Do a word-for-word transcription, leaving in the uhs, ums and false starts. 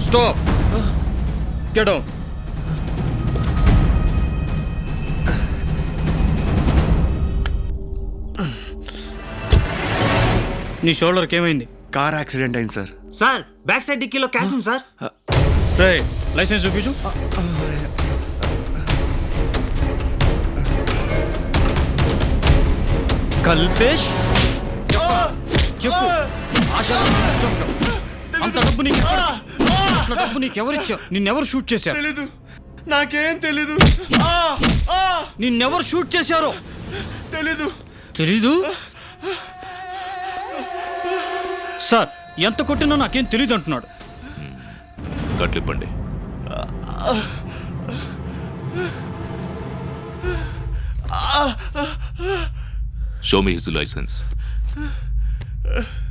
Stop. Get down. నీ షోల్డర్కి ఏమైంది? కార్ యాక్సిడెంట్ అయింది సార్. సార్ బ్యాక్ సైడ్ డిక్కీలో క్యాష్ ఉంది సార్. రే లైసెన్స్ చూపించు. కల్పేష్ చెప్పు. ఆశా చెప్పు. అంత డబ్బు నీకు అంత డబ్బు నీకెవరిచ్చావు? నిన్నెవరు షూట్ చేశారు? తెలీదు, నాకేం తెలీదు. నిన్నెవరు షూట్ చేశారో తెలీదు. తెలీదు? సార్ ఎంత కొట్టినా నాకేం తెలీదు అంటున్నాడు. కట్లిప్పండి. Show me his licence.